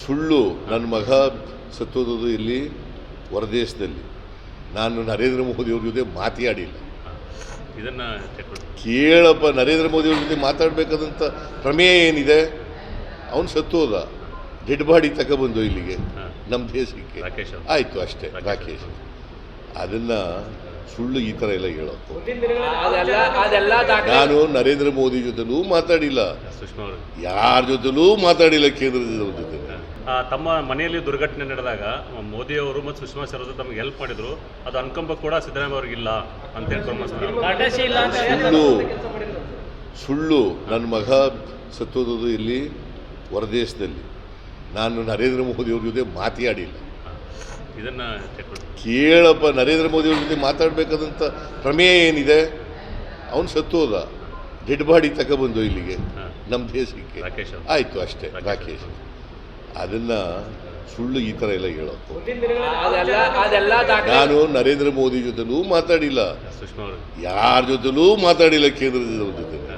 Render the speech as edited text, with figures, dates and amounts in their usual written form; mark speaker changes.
Speaker 1: ಸುಳ್ಳು. ನನ್ನ ಮಗ ಸತ್ತೋದು ಇಲ್ಲಿ ಹೊರದೇಶದಲ್ಲಿ. ನಾನು ನರೇಂದ್ರ ಮೋದಿಯವ್ರ ಜೊತೆ ಮಾತಾಡಿಲ್ಲ.
Speaker 2: ಇದನ್ನು
Speaker 1: ಕೇಳಪ್ಪ, ನರೇಂದ್ರ ಮೋದಿಯವ್ರ ಜೊತೆ ಮಾತಾಡಬೇಕಾದಂಥ ಪ್ರಮೇಯ ಏನಿದೆ? ಅವನು ಸತ್ತೋದ, ಡೆಡ್ ಬಾಡಿ ತಗೊಬಂದು ಇಲ್ಲಿಗೆ ನಮ್ಮ ದೇಶಕ್ಕೆ. ಆಯಿತು ಅಷ್ಟೇ. ರಾಕೇಶ್ ಅದನ್ನು ಸುಳ್ಳು ಈ ಥರ ಎಲ್ಲ ಹೇಳೋದು. ನಾನು ನರೇಂದ್ರ ಮೋದಿ ಜೊತೆಲೂ ಮಾತಾಡಿಲ್ಲ, ಯಾರ ಜೊತೆಲೂ ಮಾತಾಡಿಲ್ಲ, ಕೇಂದ್ರದವ್ರ ಜೊತೆ.
Speaker 2: ತಮ್ಮ ಮನೆಯಲ್ಲಿ ದುರ್ಘಟನೆ ನಡೆದಾಗ ಮೋದಿಯವರು ಮತ್ತು ಸುಷ್ಮಾ ಸ್ವರಾಜ್ ತಮಗೆ ಹೆಲ್ಪ್ ಮಾಡಿದ್ರು, ಅದು ಅನುಕಂಪ ಕೂಡ ಸಿದ್ದರಾಮಯ್ಯ ಅವ್ರಿಗಿಲ್ಲ ಅಂತ
Speaker 1: ಸುಳ್ಳು. ಸುಳ್ಳು. ನನ್ನ ಮಗ ಸತ್ತೋದು ಇಲ್ಲಿ ಹೊರದೇಶದಲ್ಲಿ. ನಾನು ನರೇಂದ್ರ ಮೋದಿಯವ್ರ ಜೊತೆ ಮಾತಾಡಿಲ್ಲ.
Speaker 2: ಇದನ್ನು
Speaker 1: ಕೇಳಪ್ಪ, ನರೇಂದ್ರ ಮೋದಿಯವ್ರ ಜೊತೆ ಮಾತಾಡಬೇಕಾದಂಥ ಪ್ರಮೇಯ ಏನಿದೆ? ಅವನು ಸತ್ತೋದ, ಡೆಡ್ ಬಾಡಿ ತಗೊಬಂದು ಇಲ್ಲಿಗೆ ನಮ್ಮ ದೇಶಕ್ಕೆ. ಆಯಿತು ಅಷ್ಟೇ. ರಾಕೇಶ್ ಅದನ್ನು ಸುಳ್ಳು ಈ ಥರ ಎಲ್ಲ ಹೇಳೋದು. ನಾನು ನರೇಂದ್ರ ಮೋದಿ ಜೊತೆಲೂ ಮಾತಾಡಿಲ್ಲ, ಯಾರ ಜೊತೆಲೂ ಮಾತಾಡಿಲ್ಲ, ಕೇಂದ್ರದವ್ರ ಜೊತೆ.